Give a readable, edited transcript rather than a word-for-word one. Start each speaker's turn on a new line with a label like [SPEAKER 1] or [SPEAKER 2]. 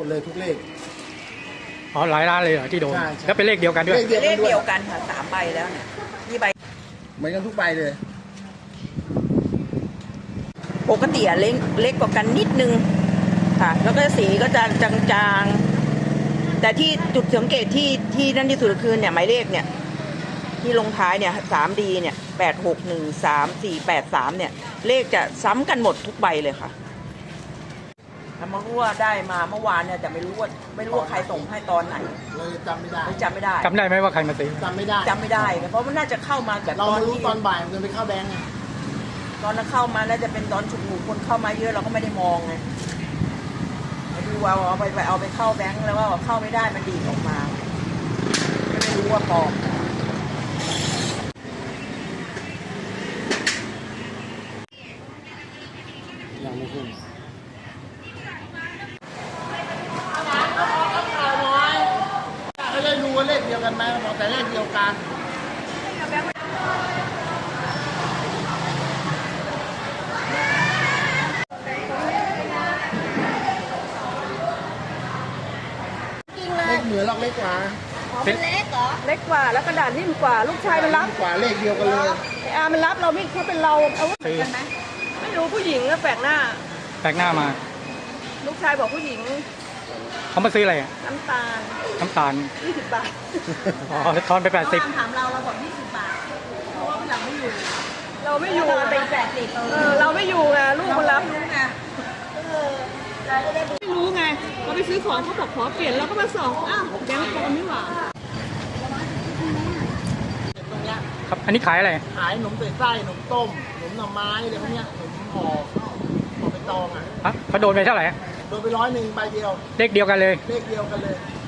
[SPEAKER 1] ดเลยทุกเลข
[SPEAKER 2] อ๋อหลายร้านเลยเหรอที่โดน
[SPEAKER 1] ใช่
[SPEAKER 2] แล้วเป็นเลขเดียวกันด้วย
[SPEAKER 3] เลขเดียวกันค่ะ3 ใบแล้วเนี่ยนี่ใบ
[SPEAKER 1] เหมือนกันทุกใบเลย
[SPEAKER 3] ปกติเล็กกว่ากันนิดนึงค่ะแล้วก็สีก็จะจางๆแต่ที่จุดสังเกตที่นั่นที่สุดคือเนี่ยหมายเลขเนี่ยที่ลงท้ายเนี่ย 3D เนี่ย8613 483เนี่ยเลขจะซ้ำกันหมดทุกใบเลยค่ะถ้ามารู้ว่าได้มาเมื่อวานเนี่ยแต่ไม่รู้ว่าใครส่งให้ตอนไหน
[SPEAKER 1] เราจำไม่ได้
[SPEAKER 3] จำไม่ได้
[SPEAKER 2] ไหมว่าใครมาซื้อ
[SPEAKER 1] จำไม่ได้
[SPEAKER 3] เพราะมันน่าจะเข้ามาแบบ
[SPEAKER 1] เรารู้ตอนบ่ายมันไปเข้าแบงก์ไง
[SPEAKER 3] ตอนนั้นเข้ามาน่าจะเป็นตอนฉุกหมู่คนเข้ามาเยอะเราก็ไม่ได้มองไงดูว่าเอาไปเข้าแบงก์แล้วว่าเข้าไม่ได้มันดีดออกมาไม่รู้ว่าปลอม
[SPEAKER 1] ยังไม่ขึ้นไม่ได้รู้ว่าเลขเดียวกันไหมบอกแต่เลขเดียวกันเลขเหมือนหรอกเล็กกว่า
[SPEAKER 3] เป็นเล็กเหรอเล็กกว่าแล้วกระดาษนิ่มกว่าลูกชายมันรับ
[SPEAKER 1] กว่าเลขเดียวกันเลย
[SPEAKER 3] ไอ้อามันรับเราไม่เขาเป็นเราเอากันไหมไม่รู้ผู้หญิงก็แปลกหน้า
[SPEAKER 2] มา
[SPEAKER 3] ลูกชายบอกผู้หญิง
[SPEAKER 2] เขามาซื้ออะไร
[SPEAKER 3] น้ำตาล20 บาท
[SPEAKER 2] อ๋อทอนไป80
[SPEAKER 3] ถามเราบอก20 บาทเพราะว่าเราไม่อยู่เราไม่อยู่ไงลูกมันรับไม่รู้ไงเราไปซื้อของเขาบอกขอเปลี่ยนเราก็มาส่องอ้าวแบงค์ปลอมนี่หว่า
[SPEAKER 1] ตรงเนี้ย
[SPEAKER 2] ครับอันนี้ขายอะไร
[SPEAKER 1] ขายขนมเป็ดไส้ขนมต้มขนมหน่อไม้อะไรพวกเนี้ยขนมห่อไปตอง
[SPEAKER 2] เขาโดนไปเท่าไหร่
[SPEAKER 1] โดนไป100ใบเดียว
[SPEAKER 2] เลขเดียวกันเลย
[SPEAKER 1] เลขเดียวกันเลย